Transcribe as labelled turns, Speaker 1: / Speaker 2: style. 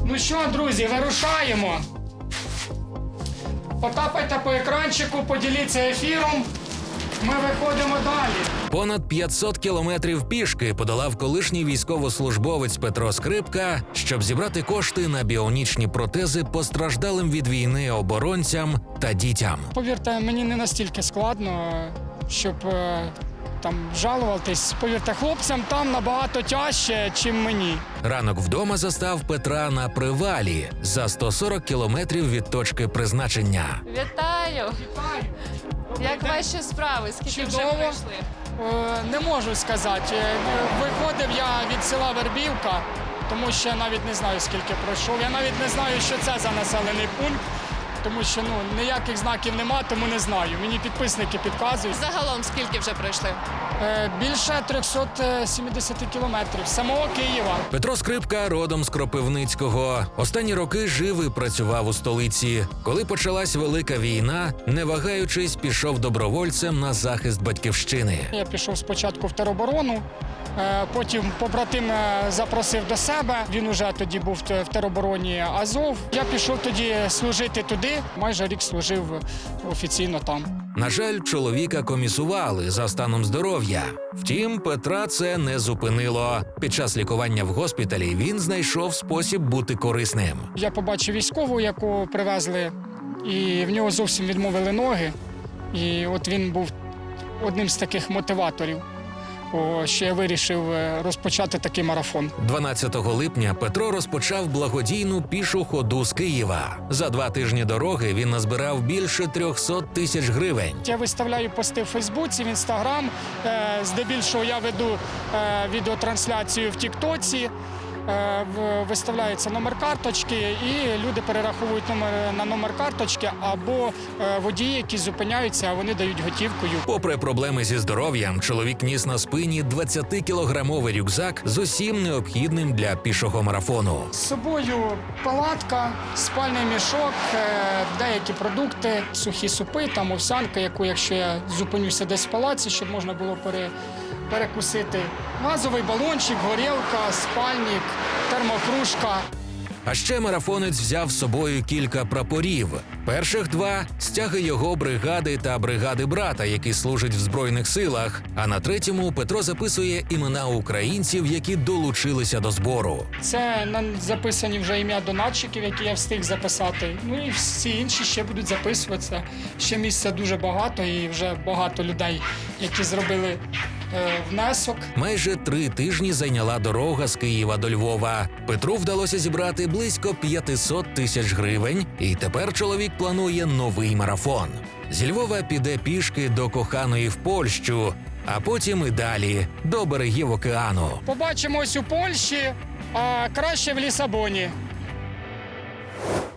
Speaker 1: Ну що, друзі, вирушаємо. Потапайте по екранчику, поділіться ефіром. Ми виходимо далі.
Speaker 2: Понад 500 кілометрів пішки подолав колишній військовослужбовець Петро Скрипка, щоб зібрати кошти на біонічні протези постраждалим від війни оборонцям та дітям.
Speaker 1: Повірте, мені не настільки складно, щоб там жалуватись. Повірте, хлопцям там набагато тяжче, чим мені.
Speaker 2: Ранок вдома застав Петра на привалі за 140 кілометрів від точки призначення.
Speaker 3: Вітаю! Як ваші справи? Скільки вже
Speaker 1: Чудово.
Speaker 3: пройшли?
Speaker 1: Не можу сказати. Виходив я від села Вербівка, тому що я навіть не знаю, скільки пройшов. Я навіть не знаю, що це за населений пункт, тому що ніяких знаків нема, тому не знаю. Мені підписники підказують.
Speaker 3: Загалом скільки вже пройшли?
Speaker 1: Більше 370 кілометрів з самого Києва.
Speaker 2: Петро Скрипка родом з Кропивницького. Останні роки жив і працював у столиці. Коли почалась велика війна, не вагаючись, пішов добровольцем на захист батьківщини.
Speaker 1: Я пішов спочатку в тероборону, потім побратим запросив до себе. Він уже тоді був в теробороні Азов. Я пішов тоді служити туди. Майже рік служив офіційно там.
Speaker 2: На жаль, чоловіка комісували за станом здоров'я. Втім, Петра це не зупинило. Під час лікування в госпіталі він знайшов спосіб бути корисним.
Speaker 1: Я побачив військову, яку привезли, і в нього зовсім відмовили ноги. І от він був одним з таких мотиваторів, що я вирішив розпочати такий марафон.
Speaker 2: 12 липня Петро розпочав благодійну пішу ходу з Києва. За 2 тижні дороги він назбирав більше 300 тисяч гривень.
Speaker 1: Я виставляю пости в Фейсбуці, в Інстаграм. Здебільшого я веду відеотрансляцію в Тіктоці. Виставляється номер карточки, і люди перераховують на номер карточки, або водії, які зупиняються, а вони дають готівкою.
Speaker 2: Попри проблеми зі здоров'ям, чоловік ніс на спині 20-кілограмовий рюкзак з усім необхідним для пішого марафону.
Speaker 1: З собою палатка, спальний мішок, деякі продукти, сухі супи, там овсянка, яку, якщо я зупинюся десь в палаці, щоб можна було перекусити. Газовий балончик, горілка, спальник, термокружка.
Speaker 2: А ще марафонець взяв з собою кілька прапорів. Перших 2 – стяги його бригади та бригади брата, які служать в Збройних силах. А на 3-му Петро записує імена українців, які долучилися до збору.
Speaker 1: Це записані вже ім'я донатчиків, які я встиг записати. Ну і всі інші ще будуть записуватися. Ще місця дуже багато і вже багато людей, які зробили внесок.
Speaker 2: Майже 3 тижні зайняла дорога з Києва до Львова. Петру вдалося зібрати близько 500 тисяч гривень, і тепер чоловік планує новий марафон. Зі Львова піде пішки до коханої в Польщу, а потім і далі, до берегів океану.
Speaker 1: Побачимось у Польщі, а краще в Лісабоні.